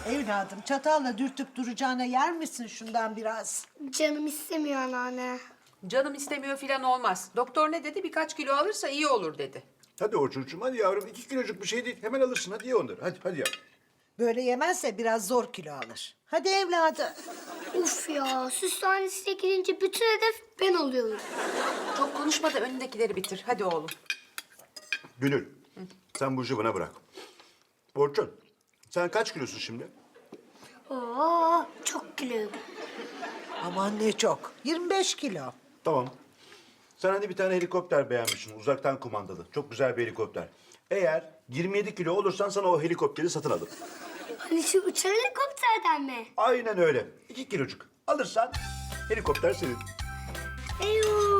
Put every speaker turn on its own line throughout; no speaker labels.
Evladım çatalla dürtüp duracağına yer misin şundan biraz?
Canım istemiyor anneanne.
Canım istemiyor filan olmaz. Doktor ne dedi? Birkaç kilo alırsa iyi olur dedi.
Hadi Orçuncuğum hadi yavrum 2 kiloluk bir şey değil. Hemen alırsın hadi ye onları. Hadi yavrum.
Böyle yemezse biraz zor kilo alır. Hadi evladım.
Uf ya, süshanesine girince bütün hedef ben oluyorum.
Çok konuşma da önündekileri bitir. Hadi oğlum.
Gönül sen bu işi bana bırak. Orçun sen kaç kilosun şimdi?
Oo, çok kiloluyum.
Aman ne çok. 25 kilo.
Tamam. Sen hani bir tane helikopter beğenmişsin uzaktan kumandalı. Çok güzel bir helikopter. Eğer 27 kilo olursan sana o helikopteri satın alırım.
Hani şu uçan helikopterden mi?
Aynen öyle. 2 kilocuk. Alırsan helikopter senin.
Eyvah.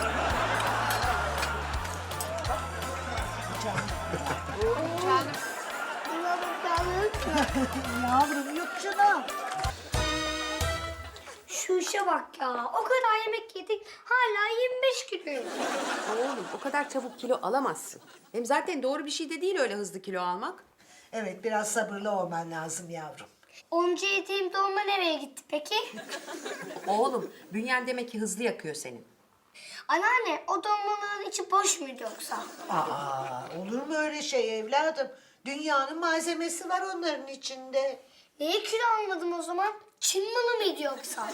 Canım.
Buna bakalım.
Yavrum yut şunu.
Şu işe bak ya. O kadar yemek yedik. Hala 25 kiloyum.
Oğlum o kadar çabuk kilo alamazsın. Hem zaten doğru bir şey de değil öyle hızlı kilo almak.
Evet biraz sabırlı olman lazım yavrum.
Onca yediğim dolma nereye gitti peki?
Oğlum bünyen demek ki hızlı yakıyor senin.
Anneanne, o dolmaların içi boş muydu yoksa?
Aa, olur mu öyle şey evladım? Dünyanın malzemesi var onların içinde.
Niye kilo almadım o zaman? Çin malı mıydı yoksa?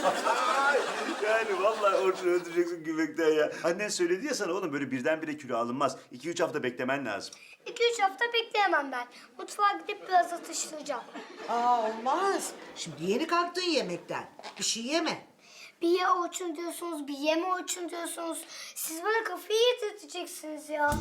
Yani vallahi Orçun öldüreceksin gülmekten ya. Annen söyledi ya sana oğlum böyle birdenbire kilo alınmaz. 2-3 hafta beklemen lazım.
2-3 hafta bekleyemem ben. Mutfağa gidip biraz atıştıracağım.
Aa olmaz. Şimdi yeni kalktın yemekten. Bir şey yeme.
Bir ye Orçun diyorsunuz, bir yeme Orçun diyorsunuz. Siz bana kafayı yedirteceksiniz ya.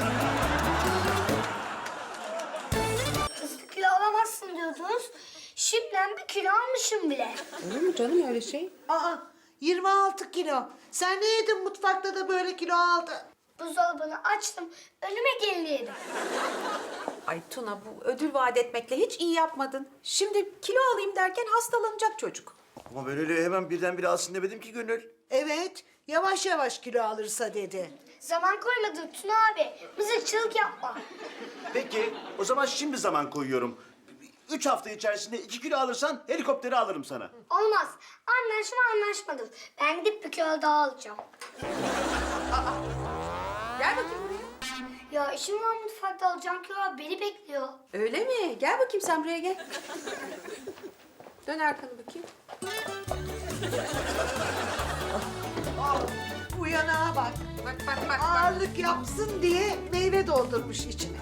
Hızlı kilo alamazsın diyordunuz. Şimdiden bir kilo almışım bile.
Olur mu canım öyle şey?
Aa 26 kilo. Sen ne yedin mutfakta da böyle kilo aldın?
Buzdolabını açtım, önüme geleni yedim.
Ay Tuna bu ödül vaat etmekle hiç iyi yapmadın. Şimdi kilo alayım derken hastalanacak çocuk.
Ama ben öyle hemen birdenbire alsın demedim ki Gönül.
Evet yavaş yavaş kilo alırsa dedi.
Zaman koymadın Tuna abi. Mızıkçılık yapma.
Peki o zaman şimdi zaman koyuyorum. 3 hafta içerisinde 2 kilo alırsan helikopteri alırım sana.
Olmaz. Anlaşmadık. Ben gidip bir kilo daha alacağım.
Gel bakayım buraya.
Ya işim var mutfakta, alacağım kilo beni bekliyor.
Öyle mi? Gel bakayım sen buraya gel. Dön arkanı bakayım.
Bu yanağa bak.
Bak.
Ağırlık yapsın diye meyve doldurmuş içine.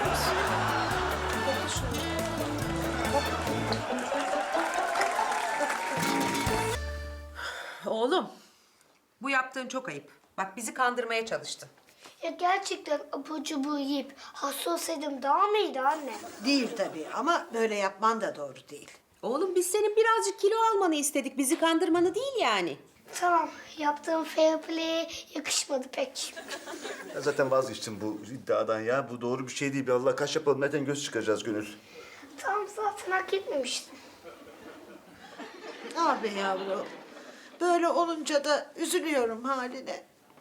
Oğlum bu yaptığın çok ayıp. Bak bizi kandırmaya çalıştın.
Ya gerçekten abur cubur yiyip hasta olsaydım daha mı iyiydi anne?
Değil tabii ama böyle yapman da doğru değil.
Oğlum biz senin birazcık kilo almanı istedik. Bizi kandırmanı değil yani.
Tamam, yaptığım fair play'e yakışmadı pek.
Ya zaten vazgeçtim bu iddiadan ya. Bu doğru bir şey değil. Bir Allah kaç yapalım. Zaten göz çıkaracağız Gönül.
Tamam, zaten hak etmemiştim.
Ah be yavrum. Böyle olunca da üzülüyorum haline.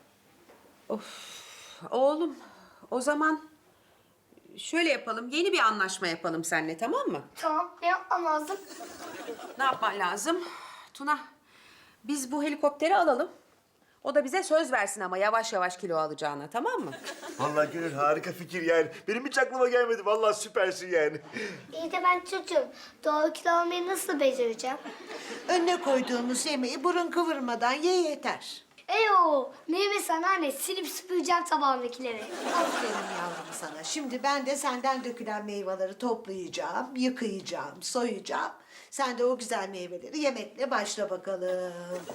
Oğlum o zaman şöyle yapalım. Yeni bir anlaşma yapalım seninle tamam mı?
Tamam, ne yapmam lazım?
Ne yapman lazım? Tuna biz bu helikopteri alalım. O da bize söz versin ama yavaş yavaş kilo alacağına tamam mı?
Vallahi Gönül harika fikir yani. Benim hiç aklıma gelmedi. Vallahi süpersin yani.
İyi de ben çocuğum. Doğru kilo almayı nasıl becereceğim?
Önüne koyduğumuz yemeği burun kıvırmadan ye yeter.
Eyo, meyve sana anne, silip süpüreceğim tabağımdakileri.
Aferin yavrum sana. Şimdi ben de senden dökülen meyveleri toplayacağım, yıkayacağım, soyacağım. Sen de o güzel meyveleri yemekle başla bakalım.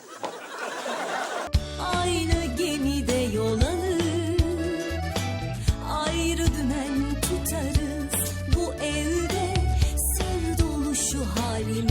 Aynı gemide yol alır, ayrı dümen tutarız. Bu evde sır dolu şu halimiz.